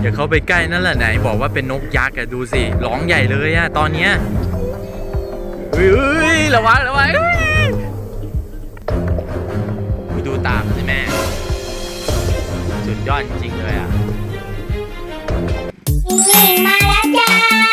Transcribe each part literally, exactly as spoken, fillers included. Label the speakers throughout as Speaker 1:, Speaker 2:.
Speaker 1: อย่าเข้าไปใกล้นั่นแหละไหนบอกว่าเป็นนกยักษ์อะดูสิร้องใหญ่เลยอะตอนเนี้ยเฮ้ยระวังระวังดูตามสิแม่สุดยอดจริงๆเลยอะ
Speaker 2: นี่มาแล้วจ้า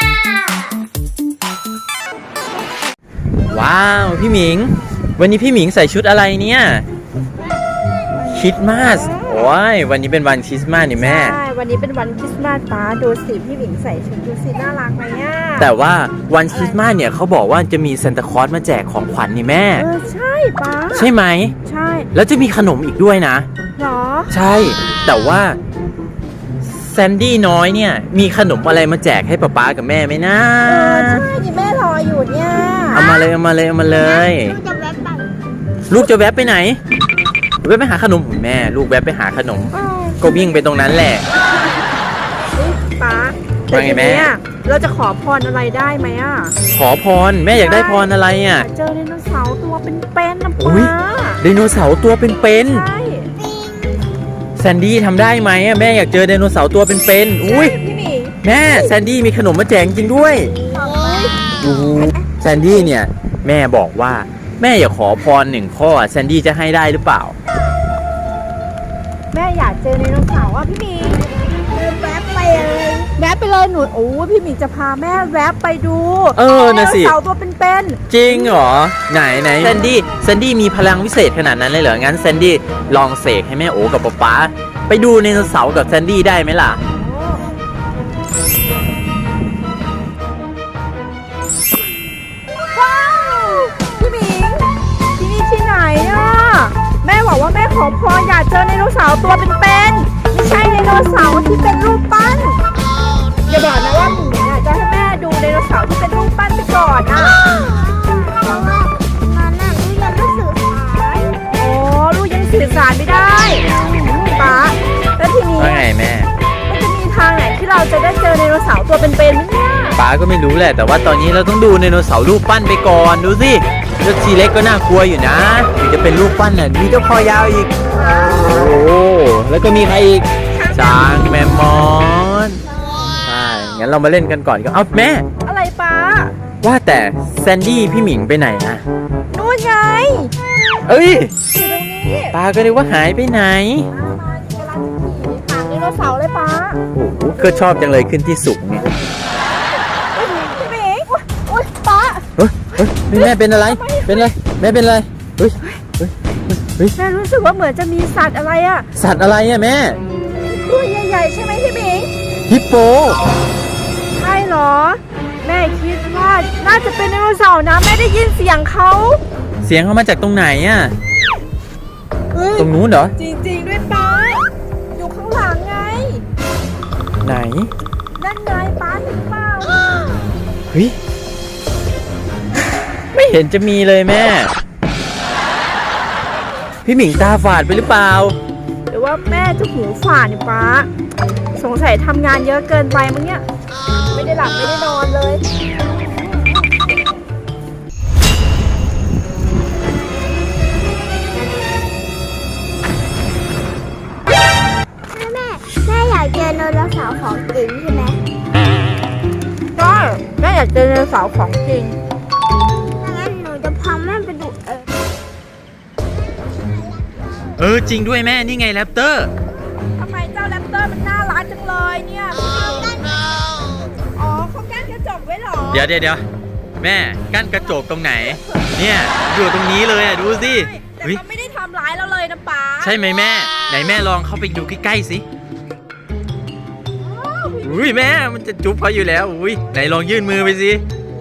Speaker 1: ว้าวพี่หมิงวันนี้พี่หมิงใส่ชุดอะไรเนี่ยคริสต์มาสโอ้ยวันนี้เป็นวันคริสต์มาสนี่แม่
Speaker 3: ใช่วันนี้เป็นวันคริสต์มาสป้าดูสิพี่หมิงใส่ชุดดูสิน่ารักไหมอ่ะ
Speaker 1: แต่ว่าวันคริสต์มาสเนี่ยเขาบอกว่าจะมีซานตาคลอสมาแจกของขวัญนี่แม่
Speaker 3: เออใช่ป้า
Speaker 1: ใช่ไหม
Speaker 3: ใช่
Speaker 1: แล้วจะมีขนมอีกด้วยนะ
Speaker 3: หรอ
Speaker 1: ใช่แต่ว่าแซนดี้น้อยเนี่ยมีขนมอะไรมาแจกให้ป๊าป๊ากับแม่ไหมนะ
Speaker 3: เออใช่นี่แม่รออยู่เนี่ย
Speaker 1: เอามาเลยเอามาเลยเอามาเลยลูกจะแวบไปไหนแวบไปหาขนมแม่ลูกแวบไปหาขนมก็วิ่งไปตรงนั้นแหละ
Speaker 3: ป้า
Speaker 1: ว่าไงแม่
Speaker 3: เราจะขอพรอะไรได้ไหมอ่ะ
Speaker 1: ขอพรแม่อยากได้พรอะไรอ่ะ
Speaker 3: เจอไดโนเสาร์ตัวเป็นๆนะป้า
Speaker 1: ไดโนเสาร์ตัวเป็นๆ
Speaker 3: ใช่
Speaker 1: แซนดี้ทำได้ไหมอ่ะแม่อยากเจอไดโนเสาร์ตัวเป็นๆอุ้ยแม่แซนดี้มีขนมมาแจกจริงด้วยดูแซนดี้เนี่ยแม่บอกว่าแม่อยากขอพรหนึ่งข้อแซนดี้จะให้ได้หรือเปล่า
Speaker 3: แม่อยากเจอไดโนเสาร์อ่ะพี่หมิงแวบไปเลยแวบไปเลยหนูโอ้พี่หมิงจะพาแม่แวบไปดู
Speaker 1: เออนะสิ
Speaker 3: ไดโนเสาร์ตัวเป็น
Speaker 1: ๆจริงเหรอไหนไหนแซนดี้แซนดี้มีพลังวิเศษขนาดนั้นเลยเหรองั้นแซนดี้ลองเสกให้แม่โอ๋กับป๊าป๊าไปดูไดโนเสาร์กับแซนดี้ได้ไหมล่ะ
Speaker 3: ว้าวพี่หมิงที่นี่ที่ไหนอ่ะแม่บอกว่าแม่ขอพรอยากเจอไดโนเสาร์ตัวเป็นๆไม่ใช่ไดโนเสาร์ที่เป็นรูปปั้นอย่าบอกนะว่าหมิงอ่ะจะให้แม่ดูไดโนเสาร์ที่เป็นรูปปั้นไปก่อนอ่ะ
Speaker 2: เพราะว่ามันน่ะลูกยังไม่สื่อสาร
Speaker 3: โอ้ลูกยังสื่อสารไม่ได้ป๊าแล้วทีนี้
Speaker 1: ว่าไงแม่
Speaker 3: มันจะมีทางไหนที่เราจะได้เจอไดโนเสาร์ตัวเป็นๆไหมเนี่ย
Speaker 1: ป๊าก็ไม่รู้แหละแต่ว่าตอนนี้เราต้องดูไดโนเสาร์รูปปั้นไปก่อนดูสิเจ้าทีเล็กก็น่ากลัวอยู่นะถึงจะเป็นรูปปั้นน่ะมีเจ้าคอยาวอีกโอ้แล้วก็มีใครอีกช้างแมมมอนใช่งั้นเรามาเล่นกันก่อนก็เอาแม่
Speaker 3: อะไรป๊า
Speaker 1: ว่าแต่แซนดี้พี่หมิงไปไหนนะ
Speaker 3: นู่นไง
Speaker 1: เอ้ย
Speaker 3: อยู่ตรงนี้
Speaker 1: ป๊าก็นึกว่าหายไปไหน
Speaker 3: หางไดโนเสาร์เลยป๊า
Speaker 1: โอ้โหก็ชอบจังเลยขึ้นที่สูงเนี่ย
Speaker 3: พี่หมิงโอ๊ยป๊า
Speaker 1: เฮ้ยเฮ้ยแม่เป็นอะไรเป็นอะไรแม่เป็นอะไรเฮ้ยเฮ้ยเฮ้ย
Speaker 3: แม่รู้สึกว่าเหมือนจะมีสัตว์อะไรอะ
Speaker 1: สัตว์อะไรอะแม่
Speaker 3: ตัวใหญ่ๆใช่ไหมพี่หมิง
Speaker 1: ฮิปโป
Speaker 3: ใช่เหรอแม่คิดว่าน่าจะเป็นไดโนเสาร์นะแม่ได้ยินเสียงเขา
Speaker 1: เสียงเขามาจากตรงไหนอะตรงนู้นเหรอ
Speaker 3: จริงๆด้วยป๊าอยู่ข้างหลังไง
Speaker 1: ไหน
Speaker 3: นั่นไงป๊าเห็นเปล่า
Speaker 1: เฮ้ยไม่เห็นจะมีเลยแม่พี่หมิงตาฝาดไปหรือเปล่า
Speaker 3: หรือว่าแม่จะหูฝาดเนี่ยป๊าสงสัยทำงานเยอะเกินไปมั้งเนี่ยไม่ได้หลับไม่ได้นอนเลย
Speaker 2: แม่แม่อยากเจอไดโนเสาร์ของจริงใช่ไหม
Speaker 3: ใช่แม่อยากเจอไดโนเสาร์ของจริง
Speaker 2: งั้นหนูจะพาแม่ไปดูเออ
Speaker 1: เออจริงด้วยแม่นี่ไงแรปเตอร์
Speaker 3: ทำไมเจ้าแรปเตอร์มันน่ารักจังเลยเนี่ยอ๋อเขากั้นกระจกไว้หรอ
Speaker 1: เดี๋ยวเดี๋ยวเดี๋ยวแม่กั้นกระจกตรงไหนเนี่ยอยู่ตรงนี้เลยอ่ะดูสิ
Speaker 3: แต่เขาไม่ได้ทำร้ายเราเลยนะป๊า
Speaker 1: ใช่ไหมแม่ไหนแม่ลองเข้าไปดูใกล้ๆสิอุ้ยแม่มันจะจุ๊บเขาอยู่แล้วอุ้ยไหนลองยื่นมือไปสิ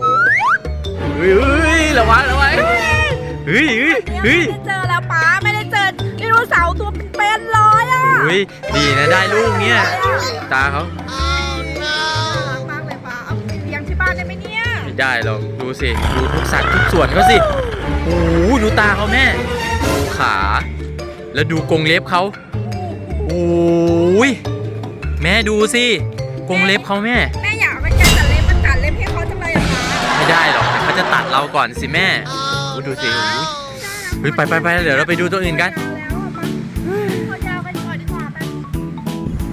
Speaker 1: อุ้ยระวังระวังเฮ้ยเฮ้ยเฮ้ย
Speaker 3: ไม่ได้เจอแล้วป๊าไม่ได้เจอไดโนเสาร์ตัวเป็นๆเลยอ่ะ
Speaker 1: อุ้ยดีนะได้ลูกเนี่ยตาเขา
Speaker 3: รักมากเลยป๊าเอาไปเลี้ยงที่บ้านได้ไหมเนี่ย
Speaker 1: ไม่ได้หรอกดูสิดูทุกสัตว์ทุกส่วนเขาสิโอ้โหดูตาเขาแม่ดูขาแล้วดูกรงเล็บเขาโอ้ยแม่ดูสิกรงเล็บเขาแม่
Speaker 3: แม่อยากเอาไปแกะตัดเล็บมันตัดเล็บให้เขาจังเลยอะป๊า
Speaker 1: ไม่ได้หรอกเขาจะตัดเราก่อนสิแม่ดูสิเฮ้ยไปไปไปเดี๋ยวเราไปดูตัวอื่นกัน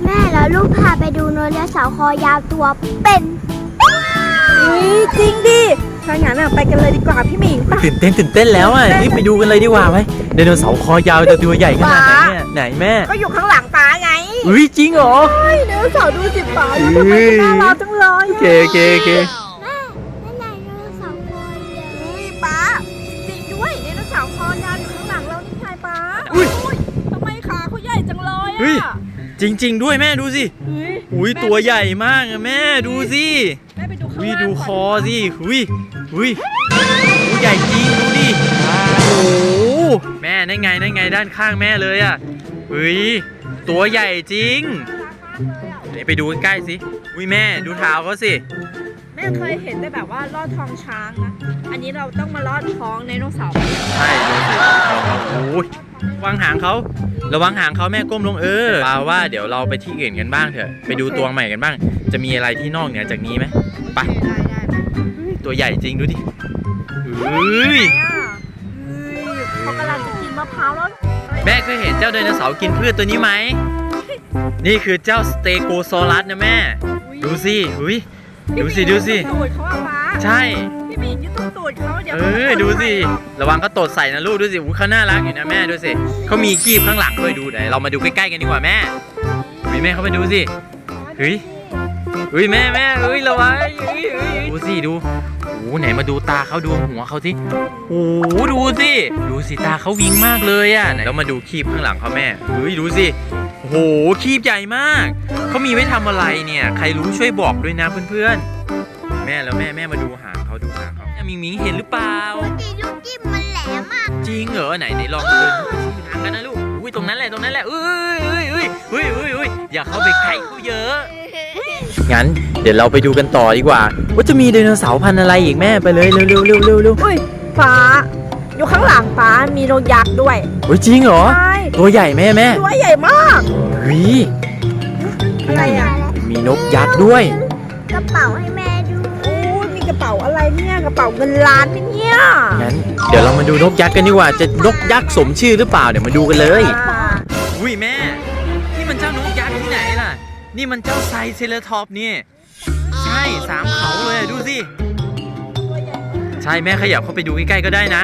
Speaker 2: แม่แล้วลูกพาไปดูไดโนเสาร์คอยาวตัวเป็น
Speaker 3: อุ้ยจริงดิถ้างั้นอะไปกันเลยดีกว่าพี่หมิงไป
Speaker 1: ตื่นเต้นตื่นเต้นแล้วอ่ะรีบไปดูกันเลยดีกว่าไหมไดโนเสาร์คอยาวจะตัวใหญ่ขนาดไหนเนี่ยไหนแม่
Speaker 3: ก็อยู่ข้างหลังป้าไง
Speaker 1: อุ้ยจริงเหรอ
Speaker 3: ไดโนเสาร์ดูสิป้าดูทำไมมันน่ารักจังเลย
Speaker 1: โอเคโอเคโอเค
Speaker 2: แม่นั่นไงไดโนเสาร์คอยาว
Speaker 3: อุ้ยป้าจริงด้วยไดโนเสาร์คอยาวอยู่ข้างหลังเรานี่ไงป้า
Speaker 1: อุ้ย
Speaker 3: ทำไมขาเขาใหญ่จังเลย
Speaker 1: เฮ้ย
Speaker 3: อะ
Speaker 1: จริง ๆ ด้วยแม่ดูสิ
Speaker 3: เฮ้ย
Speaker 1: อุ้ยตัวใหญ่มากอะแม่ดูสิ
Speaker 3: แม่ไปดูข้าง
Speaker 1: อุ้ย
Speaker 3: ล่าง
Speaker 1: ดูค
Speaker 3: ก่
Speaker 1: อน สิอุ้ยอุ้ยตัวใหญ่จริงดูดิโอ้โหแม่นั่นไงนั่นไงด้านข้างแม่เลยอ่ะอุ้ยตัวใหญ่จริงนี่ไปดูใกล้ๆสิอุ้ยแม่ดูเท้าเขาสิ
Speaker 3: แม่เคยเห็นแต่แบบว่าลอดท้องช้างนะอันนี้เราต้องมาลอดท้องไดโนเสาร์
Speaker 1: ใช่ดูสิโอ้ยวางหางเขาระวังหางเขาแม่ก้มลงเออปาว่าเดี๋ยวเราไปที่อื่นกันบ้างเถอะไปดูตัวใหม่กันบ้าง จะมีอะไรที่นอกเหนือจากนี้ไหมไป
Speaker 3: ได้ได้ได้
Speaker 1: ตัวใหญ่จริงดูดิเฮ้ย
Speaker 3: ไหนอะเฮ้ยเขากำลังจะกินมะพร้าวแล้ว
Speaker 1: แม่เคยเห็นเจ้าไดโนเสาร์กินพืชตัวนี้ไหมนี่คือเจ้าสเตโกซอรัสนะแม่ดูสิอุ้ยดูสิดูสิ
Speaker 3: ตูดเขาอะป้า
Speaker 1: ใช่
Speaker 3: พี่หมียึดตูดเขาเดี๋ยว
Speaker 1: เออดูสิระวังเขาตดใส่นะลูกดูสิอุ้ยเขาน่ารักอยู่นะแม่ดูสิเขามีกีบข้างหลังด้วยดูไหนเรามาดูใกล้ๆกันดีกว่าแม่อุ้ยแม่เขาไปดูสิเฮ้ยเฮ้ยแม่แม่เฮ้ยระวังเฮ้ยเฮ้ยดูสิดูโอ้ไหนมาดูตาเขาดูหัวเขาสิโอ้ดูสิดูสิตาเขาวิงมากเลยอ่ะไหนเรามาดูคีบข้างหลังเขาแม่เฮ้ยดูสิโอ้โหคีบใหญ่มากเขามีไว้ทำอะไรเนี่ยใครรู้ช่วยบอกด้วยนะเพื่อนๆแม่แล้วแม่แม่มาดูหางเขาดูหางเขามิงมิงเห็นหรือเปล่า
Speaker 2: ตีลูกจิ้มมันแหลมมาก
Speaker 1: จริงเหรอไหนไหนลองเดินไปชี้ทางกันนะลูกอุ้ยตรงนั้นแหละตรงนั้นแหละเอ้ยเอ้ยเอ้ยเอ้ยเอ้ยเอ้ยอย่าเข้าไปใกล้เขาเยอะงั้นเดี๋ยวเราไปดูกันต่อดีกว่าว่าจะมีไดโนเสาร์พันธุ์อะไรอีกแม่ไปเลยเร็วเร็วเร็วเร็วเร็ว
Speaker 3: อุ้ยป้าอยู่ข้างหลังป้ามีนกยักษ์ด้วย
Speaker 1: โอ้ยจริงเหรอ
Speaker 3: ใช่
Speaker 1: ตัวใหญ่แม่แม่
Speaker 3: ตัวใหญ่มาก
Speaker 1: เฮ้ย
Speaker 3: อะไรอ่ะ
Speaker 1: มีนกยักษ์ด้วย
Speaker 2: กระเป๋าให้แม่ดู
Speaker 3: โอ้ยมีกระเป๋าอะไรเนี่ยกระเป๋าเงินล้านไหมเนี่ย
Speaker 1: งั้นเดี๋ยวเรามาดูนกยักษ์กันดีกว่าจะนกยักษ์สมชื่อหรือเปล่าเดี๋ยวมาดูกันเลย
Speaker 3: อ่า
Speaker 1: อุ้ยแม่นี่มันเจ้านกยักษ์ที่ไหนล่ะนี่มันเจ้าไซเซเลทอปนี่ใช่สามเขาเลยดูสิใช่แม่ขยับเข้าไปดูใกล้ๆก็ได้นะ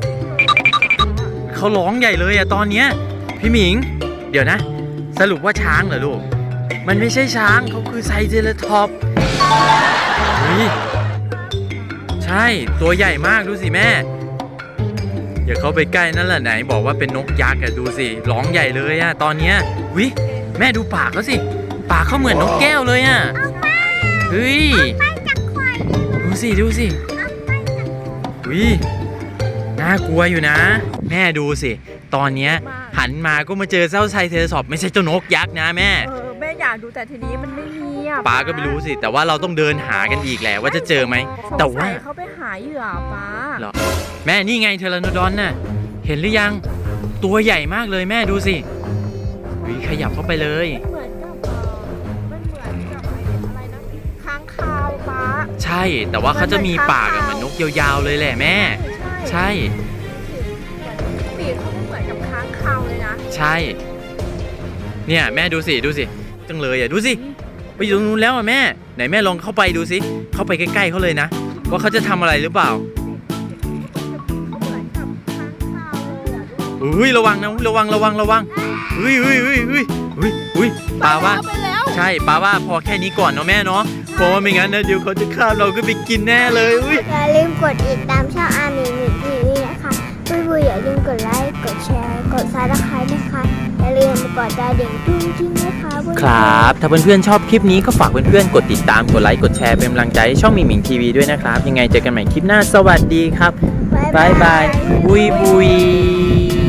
Speaker 1: เขาร้องใหญ่เลยอะตอนเนี้ยพี่หมิง เดี๋ยวนะ สรุปว่าช้างเหรอลูกมันไม่ใช่ช้างเขาคือไซเซเลทอปเฮ้ยใช่ตัวใหญ่มากดูสิแม่อย่าเข้าไปใกล้นั่นแหละไหนบอกว่าเป็นนกยักษ์อะดูสิร้องใหญ่เลยอะตอนเนี้ยวิแม่ดูปากเขาสิปากเขาเหมือนนกแก้วเลยอะเฮ้ยดูสิดูสิวิน่ากลัวอยู่นะ แม่ดูสิตอนเนี้ยหันมาก็มาเจอเจ้าไซเทอร์ซอปไม่ใช่เจ้านกยักษ์นะแม่
Speaker 3: เออแม่อยากดูแต่ทีนี้มันไม่มีอ่ะ
Speaker 1: ป้าก็ไม่รู้สิแต่ว่าเราต้องเดินหากันอีกแหละว่าจะเจอไหม
Speaker 3: สง
Speaker 1: แต่
Speaker 3: สั
Speaker 1: ว่า
Speaker 3: ยเขาไปหาเหยื่อป้า
Speaker 1: เหรอแม่นี่ไงเทเลโนดอนน่ะเห็นหรือยังตัวใหญ่มากเลยแม่ดูสิวิขยับเข้าไปเลย
Speaker 3: เหมือนกับเออมันเหมือนกับไอ้อะไรนะค้างคาวป้า
Speaker 1: ใช่แต่ว่าเขาจะมีปากอะเหมือนนกยาวๆเลยแหละแม่ ใช่
Speaker 3: ปีกเขาก็เหมือนกับค้างคาวเลยนะ
Speaker 1: ใช่เนี่ยแม่ดูสิดูสิจังเลยอ่ะดูสิไปอยู่ตรงนู้นแล้วอ่ะแม่ไหนแม่ลองเข้าไปดูสิเข้าไปใกล้ๆเขาเลยนะว่าเขาจะทำอะไรหรือเปล่า
Speaker 3: เขาเหมือนกับค้างคาวเลยอ่ะ
Speaker 1: อุ้ยระวังนะระวังระวังระวังอุ้ยอุ้ยอุ้ยอุ้ยอุ้ยอุ้ยปาว่า
Speaker 3: ไปแล้ว
Speaker 1: ใช่ปาว่าพอแค่นี้ก่อนเนาะแม่เนาะเพราะว่าไม่งั้นนะเดี๋ยวเขาจะฆ่าเราก็ไปกินแน่เลยอุ้ย
Speaker 2: อย่าลืมกดติดตามช่องอาร์มีมิทีวีนะคะบุยบุยอย่าลืมกดไลค์กดแชร์กดซับสไครต์นะคะอย่าลืมกดกระดิ่งจุ้งจิ้งนะคะบุยบุย
Speaker 1: ครับถ้าเพื่อนๆชอบคลิปนี้ก็ฝากเพื่อนๆกดติดตามกดไลค์กดแชร์เป็นกำลังใจให้ช่องหมิงหมิงทีวีด้วยนะครับยังไงเจอกันใหม่คลิปหน้าสวัสดีครับบ๊ายบายบุยบุย